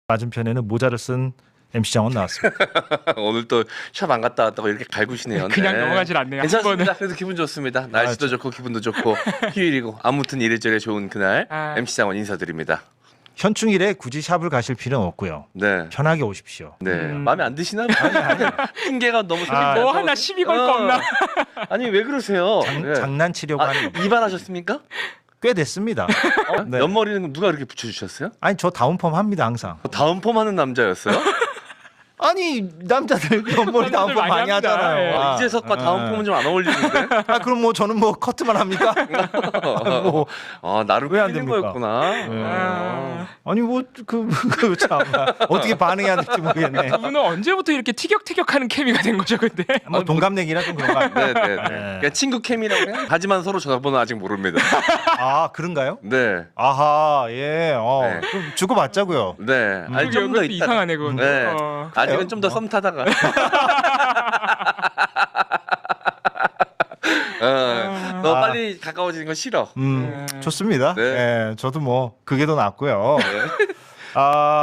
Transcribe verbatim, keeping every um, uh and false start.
맞은편에는 모자를 쓴 엠씨 장원 나왔습니다. 오늘 또 샵 안 갔다 왔다고 이렇게 갈구시네요. 그냥 네. 넘어가질 않네요. 괜찮습니다. 그래도 기분 좋습니다. 날씨도 아, 좋고 기분도 좋고 휴일이고 아무튼 이래저래 좋은 그날 아. 엠씨 장원 인사드립니다. 현충일에 굳이 샵을 가실 필요는 없고요. 네. 편하게 오십시오. 네. 음. 마음에 안 드시나? 아니 아니. 핑계가 너무 아, 생긴다. 뭐 하나 시비 걸 거 없나? 아니 왜 그러세요? 장, 네. 장난치려고 아, 하는 이발하셨습니까? 꽤 됐습니다. 어? 네. 옆머리는 누가 이렇게 붙여주셨어요? 아니 저 다운펌 합니다 항상. 다운 펌 하는 남자였어요? 아니 남자들 옆머리 다운펌 많이 많이 합니다. 하잖아요. 예. 아, 이재석과 다운 펌은 좀 안 어울리는데? 아 그럼 뭐 저는 뭐 커트만 합니까? 뭐, 아 나름 왜안 끌린 됩니까? 거였구나. 아. 아니 뭐그그참 어떻게 반응해야 될지 모르겠네. 두 분은 언제부터 이렇게 티격태격하는 케미가 된 거죠, 근데? 뭐 동갑내기라 좀 그런가. 네네네. 그냥 친구 캠이라고 해요. 하지만 서로 전화번호 아직 모릅니다. 아 그런가요? 네. 아하 예. 어, 네. 좀 주고 받자고요. 네. 아니 그게 좀 더 그것도 있다. 이상하네, 그건. 네. 어. 아직은 좀 더 썸 타다가. 어, 너 아. 빨리 가까워지는 거 싫어. 음 좋습니다. 네. 예, 저도 뭐 그게 더 낫고요. 네. 아.